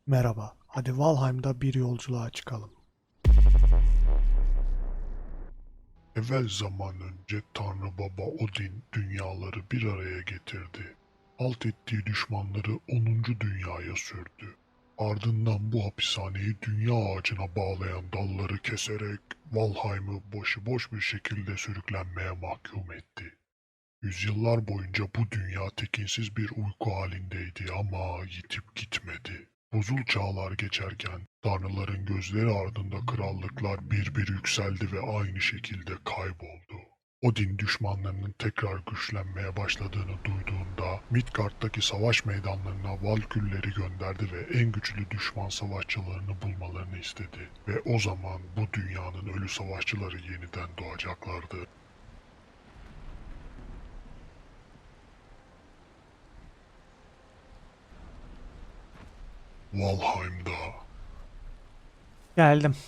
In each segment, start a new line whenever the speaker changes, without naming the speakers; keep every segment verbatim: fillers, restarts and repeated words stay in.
Merhaba, hadi Valheim'da bir yolculuğa çıkalım.
Evvel zaman önce Tanrı Baba Odin dünyaları bir araya getirdi. Alt ettiği düşmanları onuncu dünyaya sürdü. Ardından bu hapishaneyi dünya ağacına bağlayan dalları keserek Valheim'ı başıboş bir şekilde sürüklenmeye mahkum etti. Yüzyıllar boyunca bu dünya tekinsiz bir uyku halindeydi ama yitip gitmedi. Buzul çağlar geçerken tanrıların gözleri ardında krallıklar bir bir yükseldi ve aynı şekilde kayboldu. Odin düşmanlarının tekrar güçlenmeye başladığını duyduğunda Midgard'daki savaş meydanlarına Valkürleri gönderdi ve en güçlü düşman savaşçılarını bulmalarını istedi. Ve o zaman bu dünyanın ölü savaşçıları yeniden doğacaklardı. Valheim'da.
Geldim.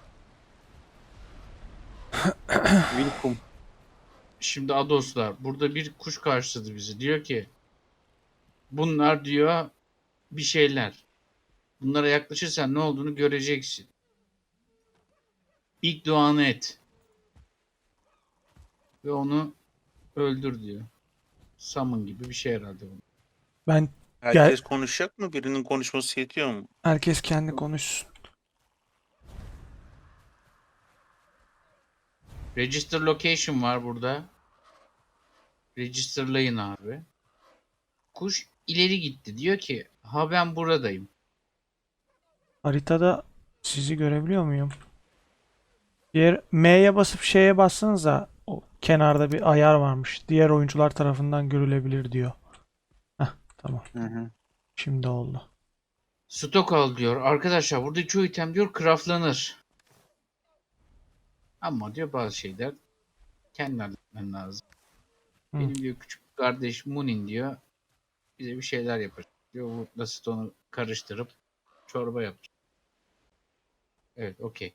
Wilcom. Şimdi Adoslar burada bir kuş karşıladı bizi. Diyor ki bunlar diyor bir şeyler. Bunlara yaklaşırsan ne olduğunu göreceksin. İlk duanı et. Ve onu öldür diyor. Summon gibi bir şey herhalde bu.
Ben
Herkes konuşacak mı? Birinin konuşması yetiyor mu?
herkes kendi konuşsun.
Register location var burada. Registerlayın abi. Kuş ileri gitti. Diyor ki ha ben buradayım.
Haritada sizi görebiliyor muyum? Diğer M'ye basıp şeye bassanıza o kenarda bir ayar varmış. Diğer oyuncular tarafından görülebilir diyor. Heh, tamam.
Hı hı.
Şimdi oldu.
Stok al diyor. Arkadaşlar burada çoğu item diyor craftlanır. Ama diyor bazı şeyler kendin halletmen lazım.
Hı.
Benim diyor küçük kardeş Munin diyor bize bir şeyler yapacak diyor. Wood'la Stone'u karıştırıp çorba yapacak. Evet, okey.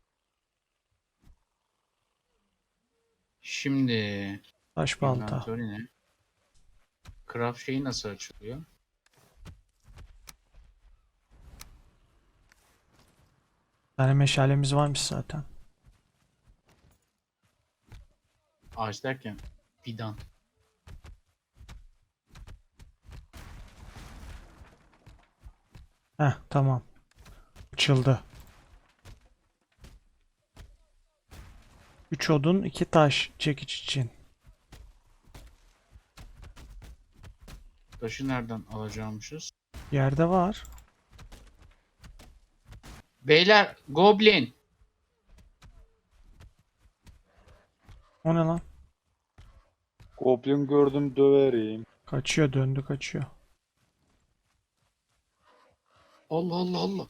Şimdi
Taş balta.
inventory ne? Craft şeyi nasıl açılıyor?
Bir tane meşalemiz varmış zaten.
Ağaç derken fidan.
Heh, tamam. Açıldı. Üç odun, iki taş çekiç için.
Taşı nereden alacakmışız?
Yerde var.
Beyler, Goblin.
O ne lan?
Goblin gördüm döverim.
Kaçıyor, döndü kaçıyor.
Allah Allah Allah.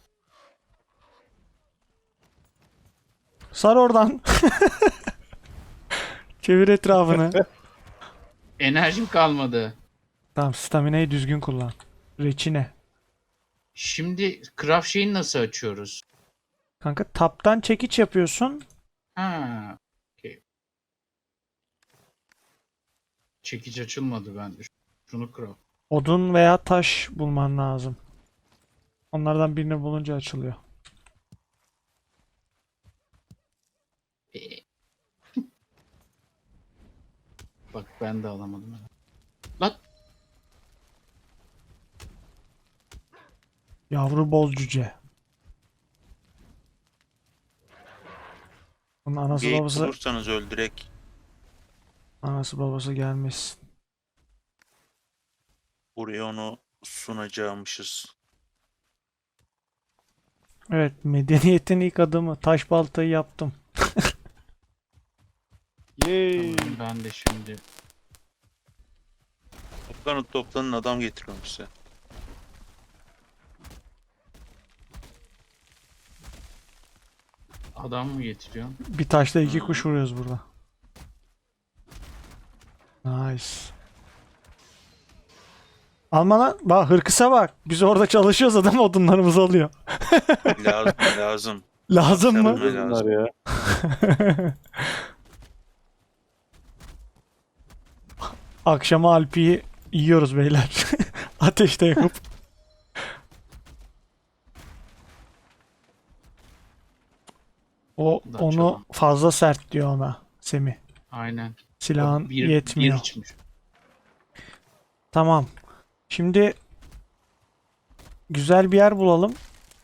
Sar oradan. Çevir etrafını.
Enerjim kalmadı.
Tamam, staminayı düzgün kullan. Reçine.
Şimdi craft şeyini nasıl açıyoruz?
Kanka taptan çekiç yapıyorsun.
Ha, okey. Çekiç açılmadı bende. Şunu craft.
Odun veya taş bulman lazım. Onlardan birini bulunca açılıyor.
Ee. Bak ben de alamadım. Lan
Yavru boz cüce. Bunun anası
Geyik
babası
bulursanız öldürek.
anası babası gelmesin.
Buraya onu sunacağımışız.
Evet, medeniyetin ilk adımı. Taş baltayı yaptım.
Yay.
tamam, ben de şimdi
Toplanın toplanın adam getiriyorum size.
adam mı getiriyorum?
Bir taşla iki
Hmm.
kuş vuruyoruz burada. Nice. Alma lan. Bak hırkısa bak. Biz orada çalışıyoruz, adam odunlarımızı alıyor.
Lazım lazım.
Lazım mı?
Tabii.
Bunlar ya.
Akşama Alpi'yi yiyoruz beyler. Ateşte yakıp. O
Da
onu
çalalım.
fazla sert diyor ona Semih.
Aynen.
Silahın
Bir,
yetmiyor.
bir içmiş.
Tamam. Şimdi güzel bir yer bulalım.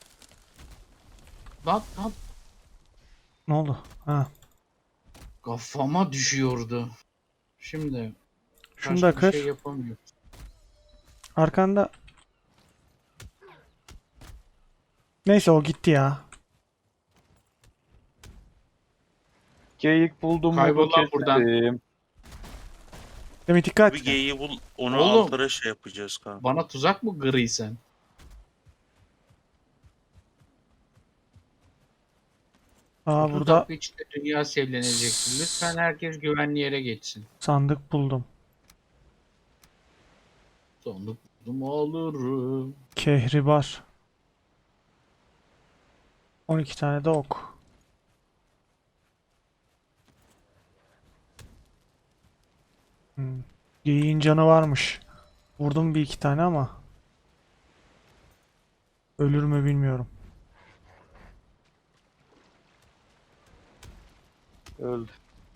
Lan lan
Ne oldu? Ha.
kafama düşüyordu. Şimdi
Şunu
başka
da
bir
kır.
şey yapamıyoruz.
Arkanda. Neyse o gitti ya.
Geyik buldum mu
Kaybol lan buradan.
buradan.
Semih dikkat.
Bir geyiği bul, onu
Oğlum.
altlara şey yapacağız kanka.
Bana tuzak mı gri sen?
Aa
otuz
burada
dakika içinde dünya sevlenecektir. Lütfen herkes güvenli yere geçsin.
sandık buldum.
Sonluk buldum alırım.
Kehribar. on iki tane de ok. Hmm. Geyiğin canı varmış. Vurdum bir iki tane ama. Ölür mü bilmiyorum.
Öldü.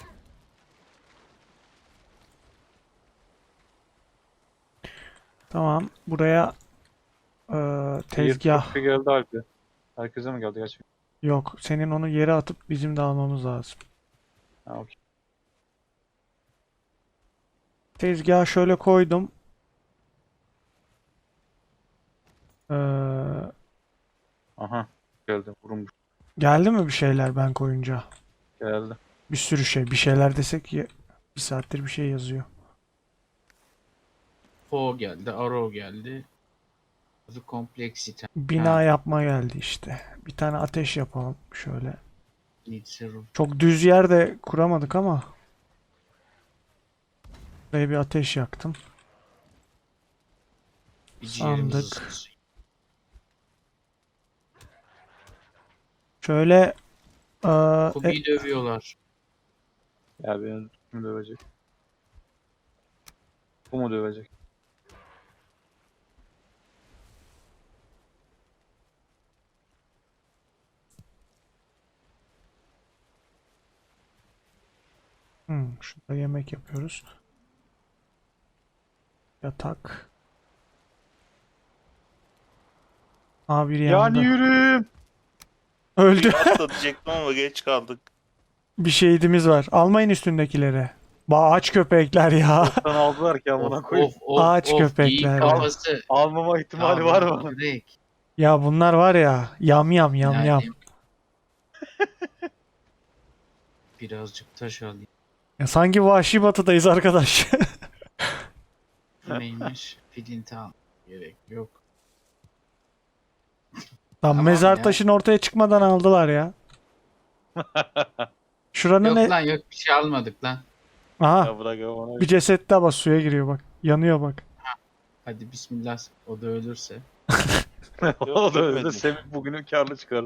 Tamam. Buraya eee, tezgah.
Tezgah. geldi Alp'e. Herkese mi geldi gerçekten?
Yok. Senin onu yere atıp bizim de almamız lazım.
Ha okey.
Tezgahı şöyle koydum. Eee,
Aha. Geldi. Vurulmuş.
geldi mi bir şeyler ben koyunca?
Geldi.
Bir sürü şey. Bir şeyler desek ya, bir saattir bir şey yazıyor.
Po geldi, Arrow geldi. The Complexity.
Bina
Ha.
yapma geldi işte. Bir tane ateş yapalım şöyle.
Needs a roof.
Çok düz yerde kuramadık ama. Buraya bir ateş yaktım.
Bir ciğerimizi
Sandık.
ısınsın.
Şöyle eee, e,
Kubi'yi dövüyorlar.
Ya beni kim dövecek? Bu mu dövecek?
hmm, şurada yemek yapıyoruz. Yatak. Aa biri yandı.
Yani yürü.
Öldü.
Atla diyecektim ama geç kaldık.
Bir şehidimiz var. Almayın üstündekileri. Ba aç köpekler ya.
Sen aldılar ki amına
Of
koyayım.
of of
Ağaç
of.
köpekler
Geyik
ya.
kafası.
Almama ihtimali var mı?
Direkt.
Ya bunlar var ya. Yam yam yam
Yani-
yam.
Birazcık taş alayım.
Ya sanki Vahşi Batı'dayız arkadaş.
Neymiş? Filinti al. Gerek yok.
Lan
Tamam
mezar
ya.
taşını ortaya çıkmadan aldılar ya. Şuranın
Yok
ne?
lan yok bir şey almadık lan.
Aha
Ya bırak ona.
bir ceset daha bak suya giriyor bak. Yanıyor bak.
Hadi bismillah. O da ölürse.
O da öyle.
görmedim.
Semih bugünü karlı çıkarır.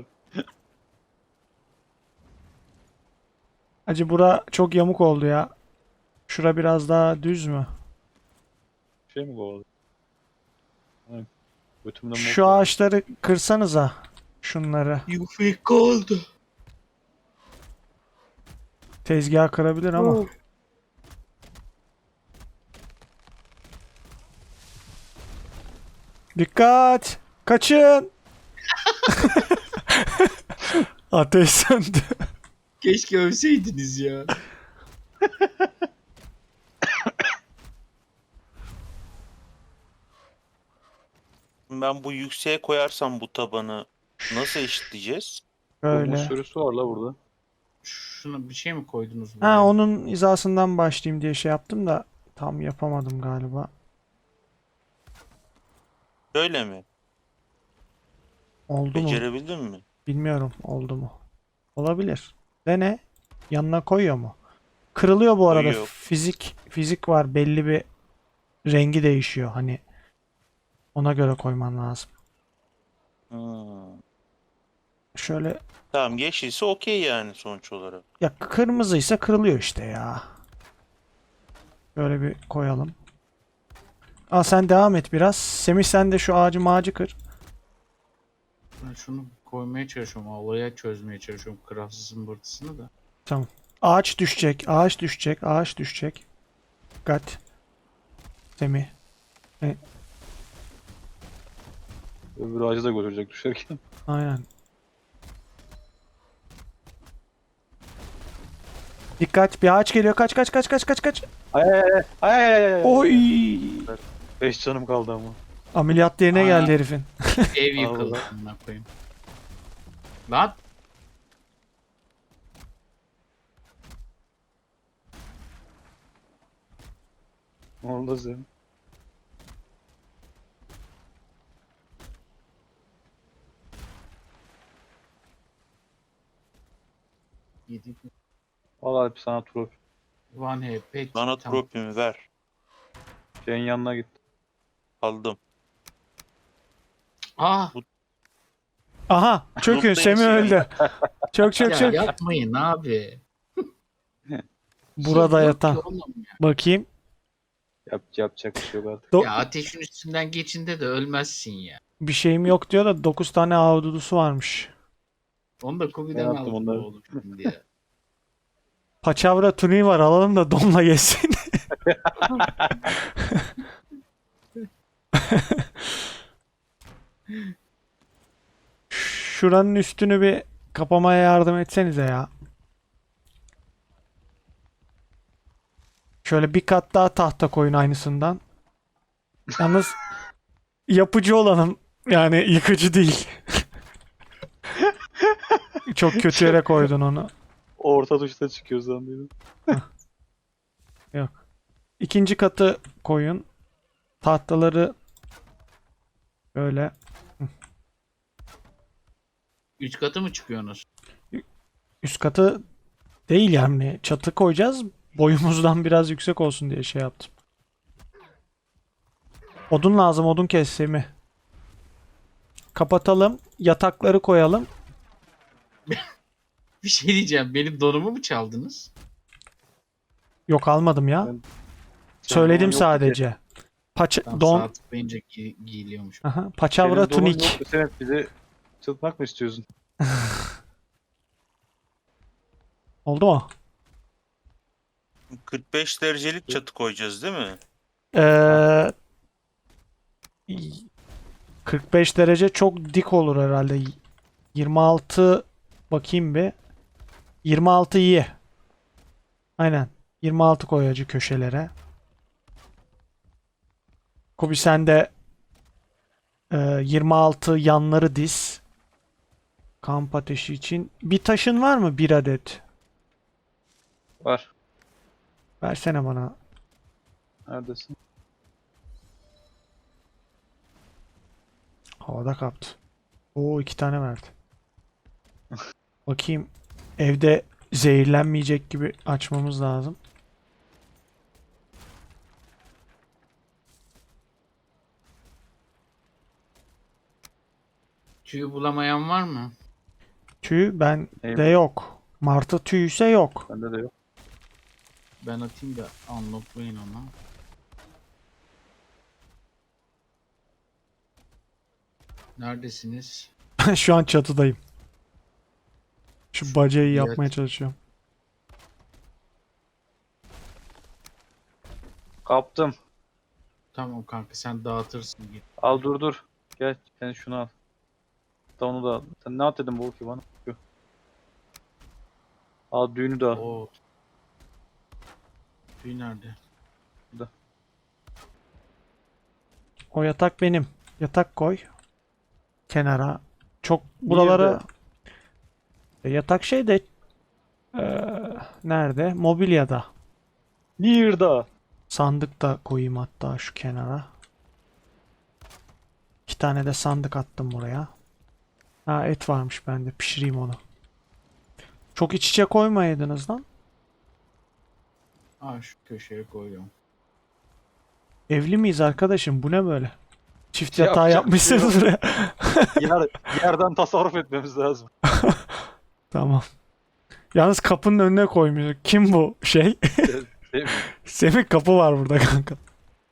Acı bura çok yamuk oldu ya. Şura biraz daha düz mü?
Şey mi bu oldu? Götümden
Şu ağaçları kırsanıza. Şunları.
Yufik oldu.
Tezgah kırabilir ama. Dikkat! Kaçın! Ateş söndü.
Keşke övseydiniz ya.
Ben bu yükseğe koyarsam bu tabanı nasıl eşitleyeceğiz?
Böyle.
Böyle.
sürüsü var la burada.
Şuna bir şey mi koydunuz buraya?
Ha onun hizasından başlayayım diye şey yaptım da tam yapamadım galiba.
Şöyle mi?
Oldu mu?
Becerebildin mi?
Bilmiyorum oldu mu? Olabilir. Dene. Yanına koyuyor mu? Kırılıyor bu arada.
Koyuyor.
Fizik fizik var. Belli bir rengi değişiyor. Hani ona göre koyman lazım.
Hmm.
Şöyle
Tamam yeşilse okey yani sonuç olarak.
ya kırmızıysa kırılıyor işte ya. Böyle bir koyalım. Aa sen devam et biraz. Semih sen de şu ağacı mağacı kır.
Ben şunu koymaya çalışıyorum. Olaya çözmeye çalışıyorum. Craft zımbırtısını da.
Ağaç düşecek, ağaç düşecek, ağaç düşecek. Dikkat. Semih.
Öbür ağacı da götürecek düşerken.
Aynen. Dikkat, bir ağaç geliyor. Kaç kaç kaç kaç kaç kaç.
Ay ay ay ay ay ay ay.
Oy!
Beş canım kaldı ama.
Ameliyat yerine
Aynen.
geldi herifin.
Ev yıkıldı.
Allah.
Amına koyayım. Lan.
Ne oldu sen?
Yedik.
Al Alp sana trofi.
One H P.
Bana
Tamam.
tropimi ver.
Şeyin yanına git.
Aldım.
Ah.
Aha, çökün.
Noktayı
Semih
silelim.
öldü. Çök çök
Ya
çök.
yapmayın abi.
Burada
Şey yok
yatan.
ki oğlum ya.
Bakayım.
Yap, yapacak bir şey yok artık.
Do-
Ya ateşin üstünden geçinde de ölmezsin ya.
bir şeyim yok diyor da dokuz tane ahududusu varmış.
Onu da Kubi'den
Ben attım
aldım
onları.
oğlum şimdi ya.
Paçavra tuniği var, alalım da donla yesin. Şuranın üstünü bir kapamaya yardım etsenize ya. Şöyle bir kat daha tahta koyun aynısından. Yalnız yapıcı olanım, yani yıkıcı değil. Çok kötü yere koydun onu.
Orta tuşta çıkıyor zannediyorum.
İkinci katı koyun. Tahtaları böyle.
Üç katı mı çıkıyorsunuz?
Üst katı değil yani. Çatı koyacağız. Boyumuzdan biraz yüksek olsun diye şey yaptım. Odun lazım. Odun kes Semih. Kapatalım. Yatakları koyalım.
Bir şey diyeceğim. Benim donumu mu çaldınız?
Yok, almadım ya.
Ben-
Söyledim
Yok ki.
sadece. Paça
Tam
don.
saat tıklayınca gi- giyiliyormuş.
Aha, paçavra
Senin donun
tunik.
yok mu? Sen hep bizi çıtmak mı istiyorsun?
Oldu mu?
kırk beş derecelik çatı koyacağız değil mi?
Ee, kırk beş derece çok dik olur herhalde. yirmi altı bakayım bir. yirmi altı iyi. Aynen. yirmi altı koy hacı köşelere. Kobi sen de e, yirmi altı yanları diz. Kamp ateşi için. Bir taşın var mı? Bir adet.
Var.
Versene bana.
Neredesin?
Havada kaptı. Oo, iki tane verdi. Bakayım. Evde zehirlenmeyecek gibi açmamız lazım.
Tüyü bulamayan var mı?
Tüy bende
Eyvallah.
yok. Martı tüyü ise yok.
Bende de yok.
Ben atayım da unlocklayın onu. Neredesiniz?
Şu an çatıdayım. Şu bacayı
Evet.
yapmaya çalışıyorum.
Kaptım.
Tamam kanka sen dağıtırsın. Git.
Al dur dur. Gel sen şunu al. Da onu da al. Sen ne at dedin bu ki bana? Şu. Al düğünü de al.
Oo. Tüy nerede?
O yatak benim. Yatak koy. Kenara. Çok buralara. E, yatak şey de eee, nerede? Mobilyada.
Nirda.
Sandık da koyayım hatta şu kenara. İki tane de sandık attım buraya. Ha, et varmış bende. Pişireyim onu. Çok iç içe koymayaydınız lan.
Aa şu köşeye koyuyorum.
Evli miyiz arkadaşım? Bu ne böyle? Çift
Yapacak
yatağı
bir şey
yapmışsınız
yok.
buraya.
Yer, yerden tasarruf etmemiz lazım.
Tamam. Yalnız kapının önüne koymuyor. Kim bu şey?
Değil mi?
Semih, kapı var burada kanka.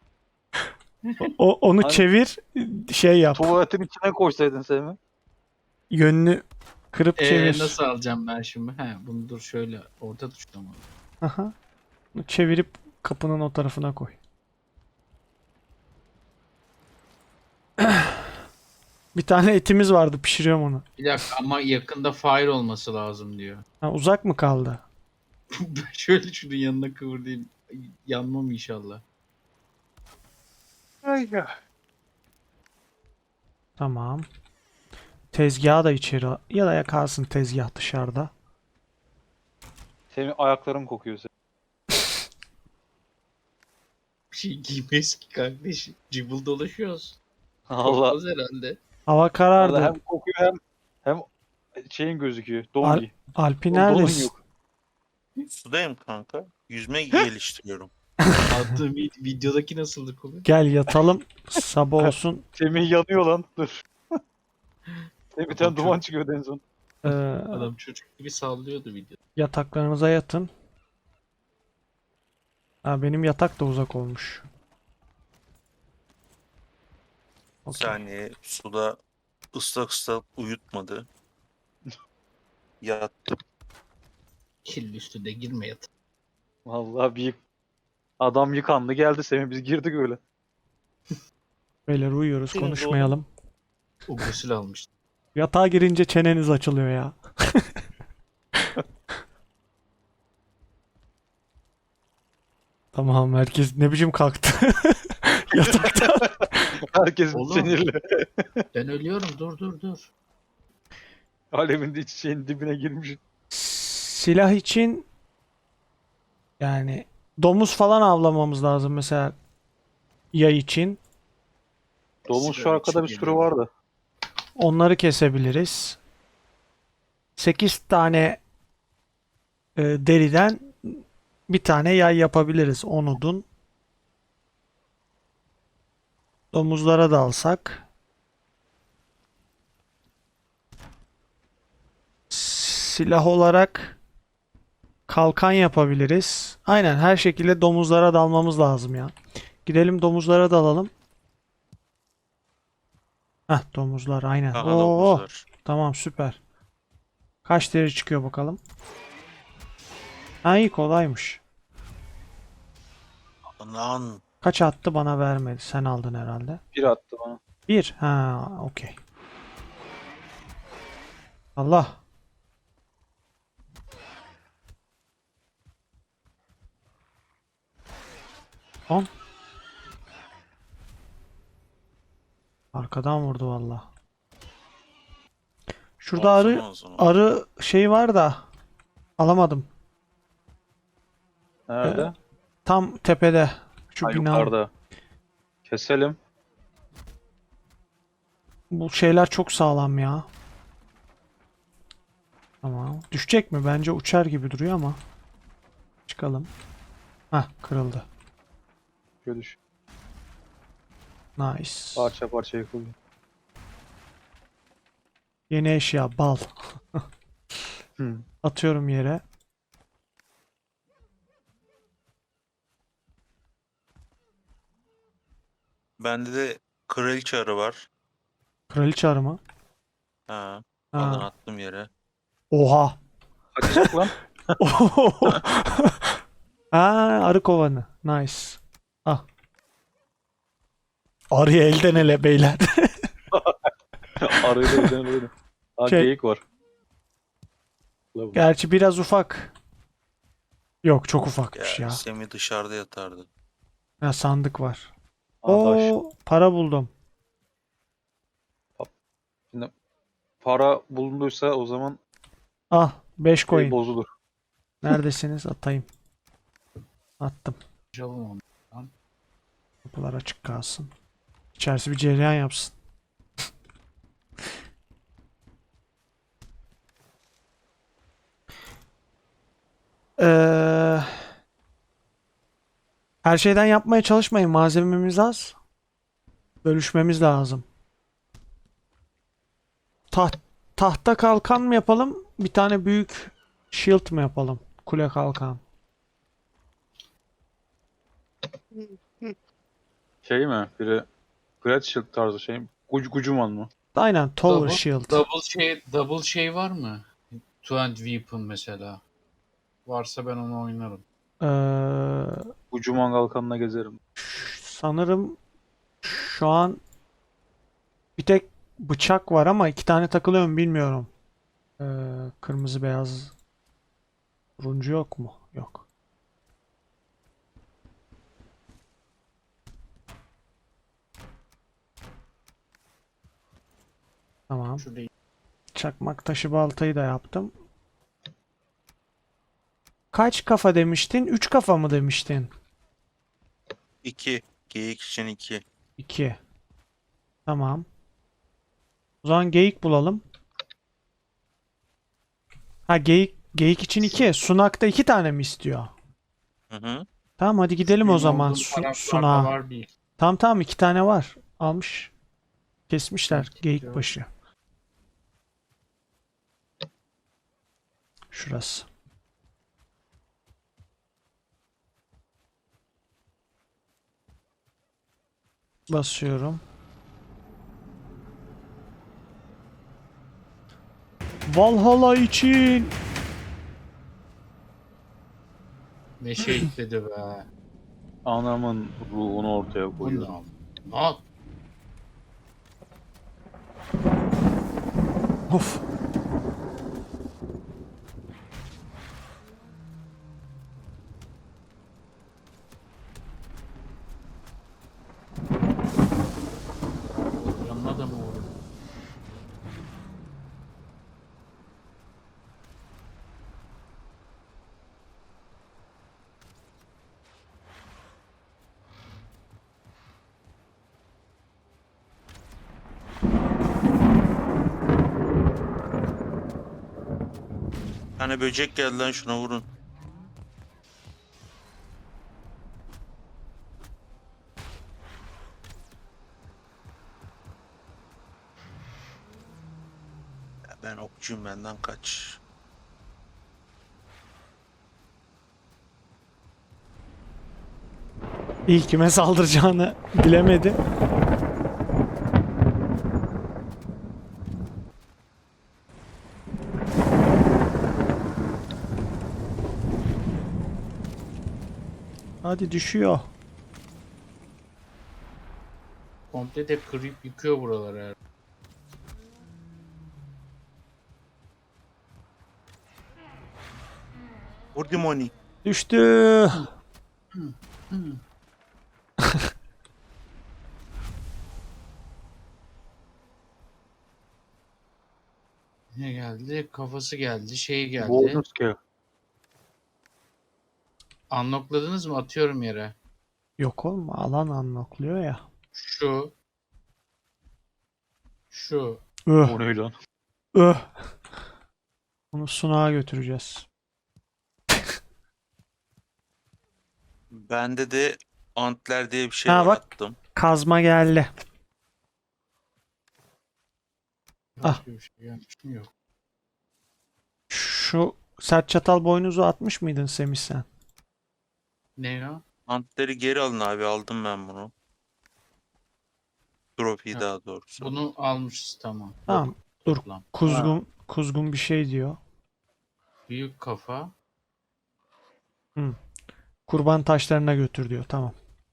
O, onu
Hani-
çevir, şey yap.
Tuvaletin içine koysaydın Semi.
Yönünü kırıp
Ee,
çevir.
nasıl alacağım ben şimdi? He, bunu dur şöyle orta tuşla mı?
Aha. Çevirip kapının o tarafına koy. Bir tane etimiz vardı, pişiriyorum onu.
Bir dakika ama yakında fire olması lazım diyor.
Ha, uzak mı kaldı?
Ben şöyle şunun yanına kıvırayım. Yanmam inşallah.
Tamam. Tezgahı da içeri al- ya da ya kalsın tezgah dışarıda.
Senin ayakların kokuyor senin.
Bir şey giymeyiz ki kardeş. Cıbıl dolaşıyoruz.
Allah.
Korkmaz herhalde.
Hava
Allah
karardı.
hem kokuyor hem hem şeyin gözüküyor. Don
Al-
giy.
Alpi
O donun
neredesin?
yok.
Sudayım kanka. Yüzme geliştiriyorum.
Attığım vid- videodaki nasıldı kolu?
Gel yatalım. Sabah olsun.
Semih yanıyor lan. Dur. Semih bir tane
Adam
duman
çok-
çıkıyordu en son.
Ee,
Adam çocuk gibi sallıyordu videoda.
yataklarınıza yatın. Ha, benim yatak da uzak olmuş.
Bir
Okey.
saniye suda ıslak ıslak uyutmadı. Yattım.
Kirli üstüne girme yat.
Vallahi bir yık- adam yıkandı geldi Semih biz girdik öyle.
Beyler uyuyoruz,
Senin
konuşmayalım.
O gusül almıştı.
Yatağa girince çeneniz açılıyor ya. Tamam, herkes ne biçim kalktı. Yatakta.
Herkes
Oğlum.
sinirli.
Ben ölüyorum dur dur dur.
Alemin de iç şeyin dibine girmiş.
Silah için yani domuz falan avlamamız lazım mesela, yay için.
Domuz şu
Sigara
arkada bir
içip
sürü
geliyorum.
vardı.
Onları kesebiliriz. sekiz tane e, deriden bir tane yay yapabiliriz. on odun. Domuzlara da alsak. Silah olarak kalkan yapabiliriz. Aynen, her şekilde domuzlara dalmamız lazım ya. Gidelim domuzlara dalalım. Heh, domuzlar aynen.
Aha
Oo,
domuzlar.
tamam, süper. Kaç deri çıkıyor bakalım. Ha, iyi, kolaymış.
Lan
Kaç attı, bana vermedi. Sen aldın herhalde.
Bir attı bana.
Bir. Ha, okey. Allah. On. Arkadan vurdu valla. Şurada
olsun
arı
o zaman.
arı şey var da alamadım.
Nerede?
Tam tepede. Şu
Ha,
bina.
yukarıda. Keselim.
Bu şeyler çok sağlam ya. Tamam. Düşecek mi? Bence uçar gibi duruyor ama. Çıkalım. Hah, kırıldı.
Şöyle düş.
Nice.
Parça parça yıkıldı.
Yeni eşya bal.
Hı.
Atıyorum yere.
Bende de kraliçe arı var.
Kraliçe arı mı?
Ha,
Ha.
alın attım yere.
Oha.
Kaçacak lan.
Ha, arı kovanı. Nice. Ah. Arıyı elden ele beyler.
Arıyla elden öyle. Aa
Şey-
geyik var. Ulan bu.
Gerçi biraz ufak. Yok, çok ufakmış
Ya,
ya.
Semih dışarıda yatardı.
Ha, sandık var.
Aa, taş.
Oo, para buldum.
Para bulunduysa o zaman
Ah, beş
şey
coin.
bozulur.
Neredesiniz? Atayım. Attım.
Çalım onu.
Kapılar açık kalsın. İçerisi bir cereyan yapsın. Ee, her şeyden yapmaya çalışmayın. Malzememiz az. Bölüşmemiz lazım. Taht, tahta kalkan mı yapalım? Bir tane büyük shield mı yapalım? Kule kalkan.
Şey mi? Biri Great Shield tarzı şey mi? Guc Gucuman mı?
Aynen Tower
Double-
Shield.
Double şey, double şey var mı? Two hand weapon mesela. Varsa ben onu oynarım.
Ee,
Ucu mangal kanına gezerim.
sanırım şu an bir tek bıçak var ama iki tane takılıyor mu bilmiyorum. Ee, kırmızı beyaz turuncu yok mu? Yok. Tamam.
Şurada
Çakmak taşı baltayı da yaptım. Kaç kafa demiştin? Üç kafa mı demiştin?
iki. Geyik için iki.
İki. Tamam. O zaman geyik bulalım. Ha geyik geyik için iki. Sunak'ta iki tane mi istiyor?
Hı hı.
Tamam hadi gidelim o
benim
zaman
olduğum
su,
taraflarda
sunağa.
var bir.
Tamam tamam iki tane var. Almış. Kesmişler geyik
Yok.
başı. Şurası. Basıyorum. Valhalla için.
Ne şey dedi be.
Anamın ruhunu ortaya
Bu ne
koyuyorum.
al? Al.
Of.
Yanına da mı vurur?
Bir tane böcek geldi lan, şuna vurun. Ya ben okçuyum, benden kaç.
İlk kime saldıracağını bilemedi. Hadi düşüyor.
Komple de kırıp yıkıyor buraları her.
Vur Dimoni.
Düştü.
Ne geldi? Kafası geldi. Şey geldi.
Bonus ki.
Unlockladınız mı? Atıyorum yere.
Yok oğlum alan unlockluyor ya.
Şu. Şu.
Öh,
O ne lan?
öh. Bunu sunağa götüreceğiz.
Bende de antler diye bir şey
Ha,
var,
bak.
attım.
Kazma geldi. Ah.
Başka bir şey gelmiş mi? Yok.
Şu sert çatal boynuzu atmış mıydın Semih sen?
Ne ya?
Antleri geri alın abi, aldım ben bunu. Trophy
Ha,
daha doğrusu.
Bunu almışız tamam.
Tamam. Dur.
Toplam.
Kuzgun kuzgun bir şey diyor.
Büyük kafa.
Kurban taşlarına götür diyor. Tamam.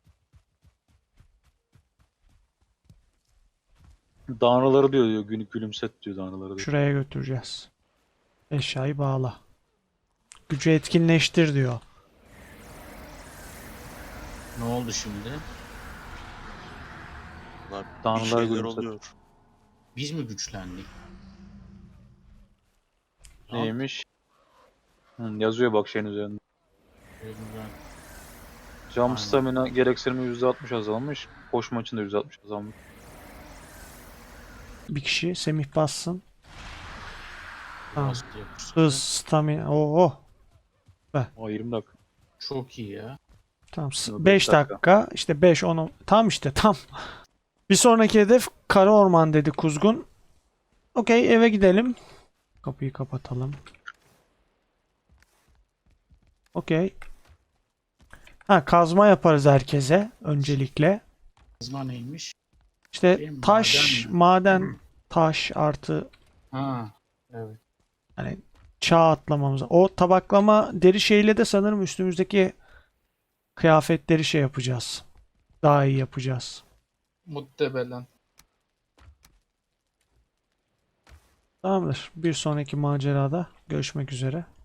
Tanrıları diyor diyor. Günü gülümset diyor tanrıları diyor.
Şuraya götüreceğiz. Eşyayı bağla. Gücü etkinleştir diyor.
Ne oldu şimdi?
Vallahi bir
Tanrılar
şeyler
gülümset.
oluyor.
Biz mi güçlendik? Al.
Neymiş? Hı, yazıyor bak şeyin üzerinde.
Elimden.
Jump
Aynen.
stamina gereksinimi yüzde altmış azalmış. Koşma için de yüzde altmış azalmış.
Bir kişi Semih bassın. Tamam.
Bastı yapıştırdı.
Hız, stamina. Oo.
O yirmi dakika.
Çok iyi ya.
Tamam.
Yok,
beş
beş dakika.
dakika. İşte beş on. Tam işte tam. Bir sonraki hedef Kara Orman dedi Kuzgun. Okey eve gidelim. Kapıyı kapatalım. Okey. Ha kazma yaparız herkese öncelikle.
Kazma neymiş?
İşte
Şey mi,
taş,
maden mi?
maden, taş artı
Ha. Evet.
hani çağ atlamamız. O tabaklama deri şeyle de sanırım üstümüzdeki kıyafetleri şey yapacağız. Daha iyi yapacağız.
Muhtemelen.
Tamamdır. Bir sonraki macerada görüşmek üzere.